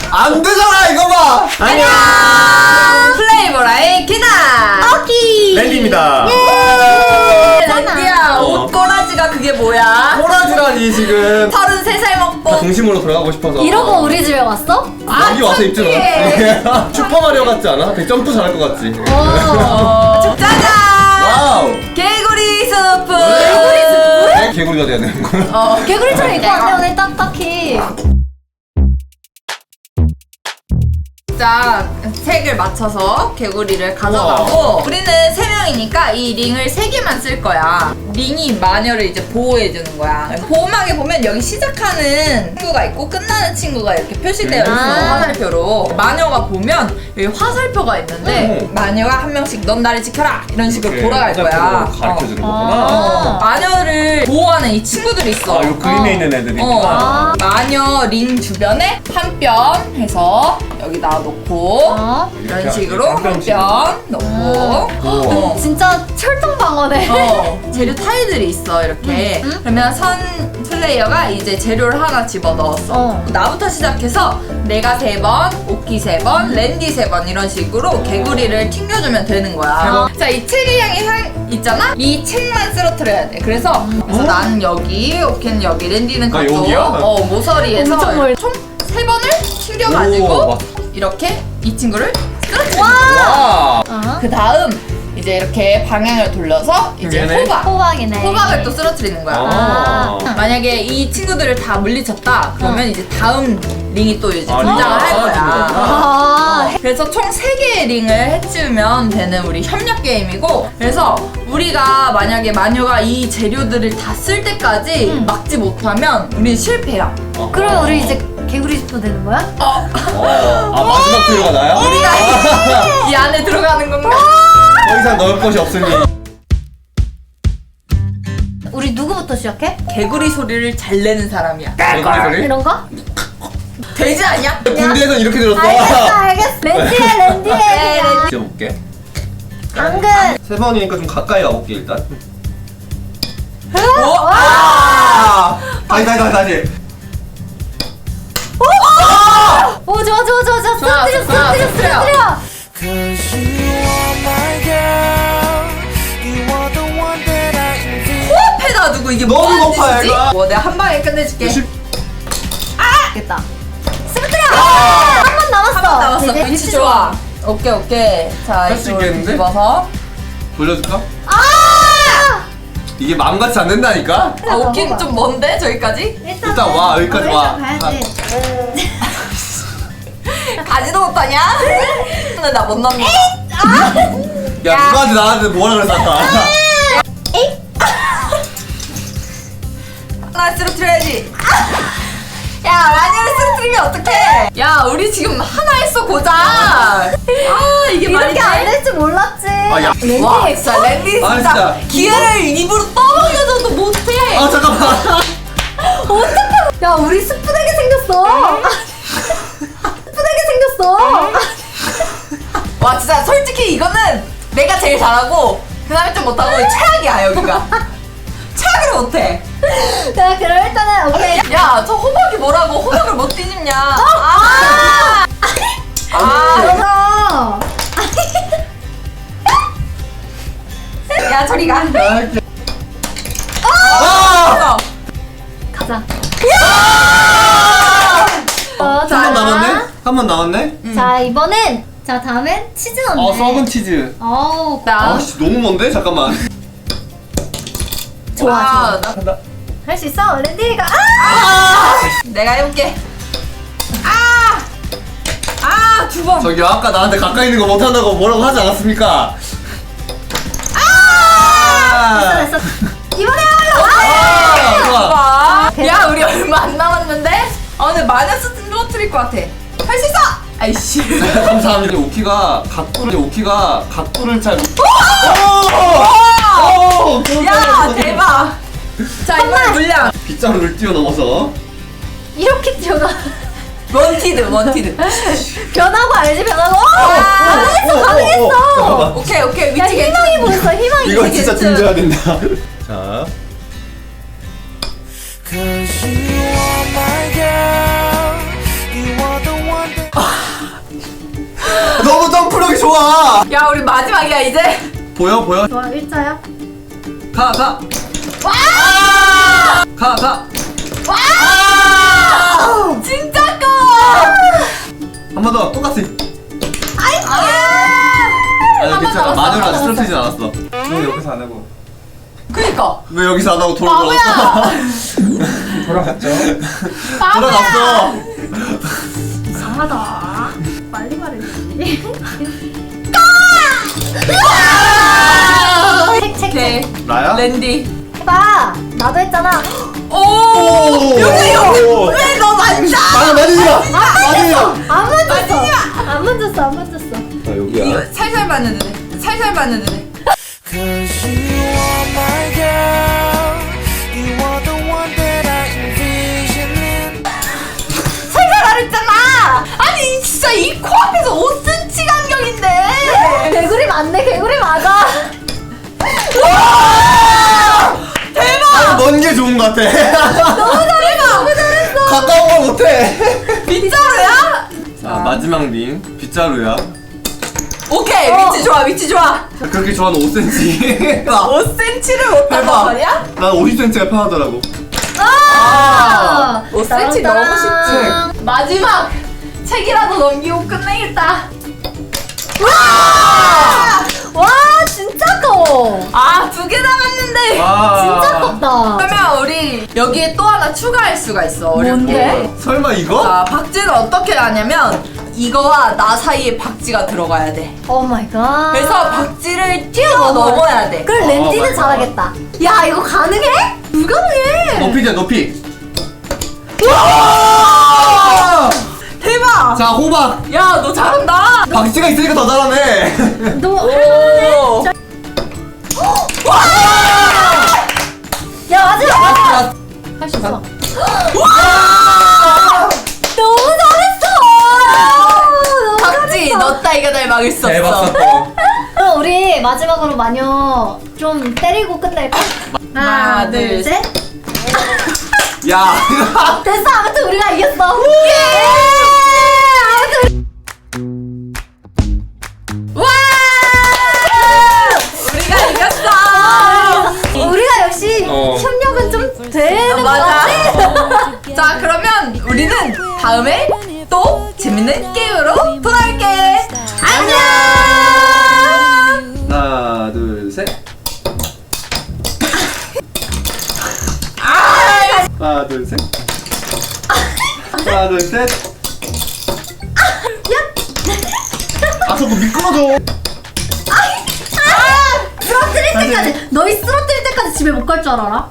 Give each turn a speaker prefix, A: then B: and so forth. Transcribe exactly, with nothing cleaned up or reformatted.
A: 안 되잖아 이거 봐.
B: 안녕. 플레이보라의 기나.
C: 오키.
A: 랜디입니다.
B: 랜디야,
A: 어.
B: 옷꼬라지가 그게 뭐야?
A: 꼬라지라니 지금.
B: 서른세 살 먹고.
A: 중심으로 돌아가고 싶어서.
C: 이러고 우리 집에 왔어?
B: 아,
A: 여기 와서 입지
B: 창피해.
A: 마. 슈퍼마리오 같지 않아? 되게 점프 잘할 것 같지?
B: 어, 짜잔!
A: 와우!
B: 개구리 스프.
C: 개구리 스프?
A: 왜 개구리가 돼야 되는 거야?
B: 어.
C: 개구리처럼 입고 왔네 오늘 딱딱히.
B: 자, 색을 맞춰서 개구리를 가져가고
A: 우와.
B: 우리는 세 명이니까 이 링을 세 개만 쓸 거야. 링이 마녀를 이제 보호해주는 거야. 보호막에 보면 여기 시작하는 친구가 있고 끝나는 친구가 이렇게 표시되어 있어.
C: 아.
B: 화살표로. 마녀가 보면 여기 화살표가 있는데
A: 음.
B: 마녀가 한 명씩 넌 나를 지켜라 이런 식으로
A: 이렇게
B: 돌아갈 거야.
A: 가르쳐주는
B: 어.
A: 거구나.
C: 아.
B: 마녀를 보호하는 이 친구들이 있어.
A: 아, 요 그림에
B: 어.
A: 있는 애들이구나.
B: 어.
C: 아.
B: 마녀 링 주변에 한 뼘 해서 여기다 놓고
C: 어?
B: 이런
A: 이렇게
B: 식으로
A: 한
B: 한
A: 뼘씩.
B: 뼘 놓고 어.
C: 진짜 철통 방어네.
B: 어, 재료 타일들이 있어 이렇게.
C: 음, 음.
B: 그러면 선 플레이어가 이제 재료를 하나 집어 넣었어.
C: 어.
B: 나부터 시작해서 내가 세 번, 오키 세 번, 랜디 세 번 이런 식으로 개구리를 튕겨주면 되는 거야. 자, 이 책의 향이 향 있잖아? 이 책만 쓰러뜨려야 돼. 그래서, 그래서 나는 여기, 오키는 여기, 랜디는
A: 아,
B: 그쪽.
A: 여기야?
B: 어, 모서리에서
C: 엄청 멀-
B: 총 세 번을 튕겨가지고
A: 오,
B: 이렇게 이 친구를 쓰러뜨려.
A: 와!
C: 어?
B: 그 다음 이제 이렇게 방향을 돌려서 이제
A: 얘네?
B: 호박.
C: 호박이네.
B: 호박을 또 쓰러뜨리는 거야.
A: 아.
B: 만약에 이 친구들을 다 물리쳤다 그러면 이제 다음 링이 또 이제
A: 아,
B: 등장을
A: 링이
B: 할
A: 나와주는
B: 거야.
A: 거구나.
C: 아.
B: 그래서 총 세 개의 링을 해치우면 되는 우리 협력 게임이고, 그래서 우리가 만약에 마녀가 이 재료들을 다 쓸 때까지
C: 음.
B: 막지 못하면 우리는 실패야.
C: 그러면 우리 이제 개구리 스프 되는 거야?
B: 어,
A: 어. 아, 마지막 재료가 나야?
B: 우리가 이 안에 들어가는 건가?
A: 더 이상 넣을 것이 없으니.
C: 우리 누구부터 시작해?
B: 개구리 소리를 잘 내는 사람이야.
A: 개구리 소리?
C: 이런 거?
B: 되지 않냐?
A: 군대에선 이렇게 들었어.
C: 알겠어 알겠어. 랜디해 랜디해.
B: 네,
C: 그냥.
A: 지어볼게.
C: 당근.
A: 세 번이니까 좀 가까이 가볼게 일단.
B: 오!
A: 아! 다시 다시 다시 다시.
C: 오 좋아 좋아 좋아 좋아.
B: 좋아,
C: 쓰러뜨려
B: 좋아,
C: 쓰러뜨려
B: 쓰러뜨려.
C: 쓰러뜨려.
D: Cause you are my girl. You are the one that I envy.
B: 코앞에다 두고 이게
A: 너무
B: 뭐하는
A: 높아,
B: 짓이지?
A: 얘가.
B: 뭐 내가 한 방에 끝내줄게.
A: 십-
C: 됐다. 쓰러뜨려. 한 번 남았어.
B: 한 번 남았어.
C: 되게
B: 위치 좋아. 오케이 오케이. 자
A: 할수
B: 이쪽으로
A: 있겠는데?
B: 뒤집어서.
A: 돌려줄까?
C: 아!
A: 이게 마음같이 안 된다니까?
B: 아 오긴 좀 먼데 저기까지?
C: 일단,
A: 일단 와, 여기까지
C: 어,
A: 와.
C: 일단 가야지.
B: 가지도 못하냐? 근데 나 못 넘겨.
A: 야, 누구한테 나한테 뭐라 그랬어 아까?
B: 하나 쓰러뜨려야지. 야 마녀를 쓰러뜨리면 어떡해? 야 우리 지금 하나 했어 고작. 아 이게 말이
C: 이렇게 안
B: 돼?
C: 될 줄 몰랐지.
A: 아, 야.
C: 랜디.
B: 와 진짜 랜디
A: 아,
B: 진짜,
A: 진짜.
B: 기회를 입으로 떠먹여줘도 못해.
A: 아, 잠깐만.
C: 어떡해. 야 우리 스프되게 생겼어. 스프되게 생겼어.
B: 와 진짜 솔직히 이거는 내가 제일 잘하고 그 다음에 좀 못하고 최악이야 여기가. 최악으로 못해.
C: 자 그럼 일단은 오케이.
B: 야 저 호박이 뭐라고 호박을 못 뒤집냐. 아! 아!
C: 그래서
B: 야 저리 가.
A: 아!
C: 가자. 어,
A: 한 번 남았네? 한 번 남았네?
C: 자 이번엔 자 다음엔 치즈 넣네.
A: 어, 썩은 치즈.
C: 어우
B: 나
A: 아씨, 너무 먼데? 잠깐만.
C: 좋아
B: 와,
C: 좋아.
A: 간다.
C: 할 수 있어 랜디가. 아!
B: 아! 내가 해볼게. 아! 아, 두 번.
A: 저기 아까 나한테 가까이 있는 거 못한다고 뭐라고 하지 않았습니까? 아!
C: 됐어 됐어. 이번에야말로.
A: 아, 좋아.
B: 봐. 야, 우리 얼마 안 남았는데? 아, 근데 마이너스 떨어뜨릴 것 같아. 할 수 있어! 아이씨.
A: 감사합니다. 오키가 각도를 오키가 각도를 잘.
B: 와!
A: 오!
B: 야, 대박. 자, 이번엔 물량.
A: 빗자루를 뛰어넘어서.
C: 이렇게 뛰어나.
B: 원티드, 원티드.
C: 변하고 알지 변하고.
B: 아,
C: 가능했어
A: 어,
C: 가능했어.
A: 잠깐만.
B: 오케이, 오케이.
C: 야
B: 위치
C: 희망이
B: 괜찮아.
C: 보였어 희망이.
A: 이거 진짜
B: 괜찮-
A: 등져야 된다. 자.
D: Cause you are my girl. You are the one that
A: 마.
B: 야 우리 마지막이야 이제.
A: 보여 보여.
C: 좋아, 일자야.
A: 가 가.
B: 와!
A: 가 가.
B: 와! 진짜 커.
A: 한 번 더 똑같이.
B: 아이고.
A: 아니
B: 한번
A: 괜찮아.
B: 남았어,
A: 마누라
B: 한번
A: 쓰러지진 않았어.
E: 왜 여기서 안 하고
B: 그니까.
A: 왜 여기서 안 하고 돌아갔어?
E: 돌아갔죠?
A: 돌아갔어.
C: 이상하다. 빨리 말해주지. 책, 책,
B: 오케이.
C: 책.
A: 나야?
B: 랜디.
C: 해봐. 나도 했잖아.
B: 오.
A: 오.
B: 여기 여기. 왜 너 만져?
A: 맞아 맞으지 마. 맞으지 마.
C: 안 만졌어. 안 만졌어, 안 만졌어.
A: 자 여기야.
B: 이거 살살 봤는데 돼. 살살 봤는데 돼.
D: Cause you are my girl. You are the one that I envisioning.
B: 살살 하랬잖아. 아니 진짜 이 코앞에서 오 센티미터 간격인데.
C: 개구리 맞네, 개구리 맞아.
B: 대박.
A: 먼 게 좋은 것 같아.
B: 너무 잘했어. 너무 잘했어.
A: 가까운 걸 못해.
B: 빗자루야?
A: 자 마지막 링 빗자루야.
B: 오케이
C: 어.
B: 위치 좋아 위치 좋아.
A: 그렇게 좋아하는 오 센티미터.
B: 오 센티미터를 못 봤단
A: 대박.
B: 말이야?
A: 난 오십 센티미터가 편하더라고.
C: 아!
B: 오 센티미터 너무 쉽지. 마지막 책이라도 넘기고 끝내겠다.
C: 와! 와, 진짜 커.
B: 아두 개 남았는데.
A: 와.
C: 진짜 컸다.
B: 그러면 우리 여기에 또 하나 추가할 수가 있어. 어렵게.
C: 뭔데?
A: 설마 이거?
B: 자 박쥐를 어떻게 하냐면 이거와 나 사이에 박쥐가 들어가야 돼.
C: 오 마이 갓.
B: 그래서 박쥐를 뛰어 넘어야 돼.
C: 그럼
A: 어,
C: 렌디는
A: 맞아.
C: 잘하겠다. 야, 이거 가능해? 불가능해.
A: 높이자 높이.
B: 대박.
A: 자 호박.
B: 야 너 잘한다.
A: 박쥐가 있으니까 더 잘하네.
C: 너
B: 오.
C: 야, 마지막 마지막. 할 수 있어. 너무 잘했어. 너무
B: 박쥐
C: 잘했어.
B: 너 따위가 날 막을 수
A: 대박
B: 없어.
A: 사건.
C: 그럼 우리 마지막으로 마녀 좀 때리고 끝낼까?
B: 하나, 둘,
C: 셋.
A: 야.
C: 됐어. 아무튼 우리가 이겼어. 예! 아무튼
B: 와! 우리가 이겼어.
C: 우리가 역시
A: 어.
C: 협력은 좀 되는 것
B: 맞아.
C: 같아.
B: 자 그러면 우리는 다음에 또 재밌는 게임으로 돌아올게. 안녕.
A: 하나 둘 셋. 하나 둘 셋. 하나 둘 셋. 아 자꾸 미끄러져.
C: 쓰러뜨릴 때까지 너희 쓰러뜨릴 때까지 집에 못 갈 줄 알아?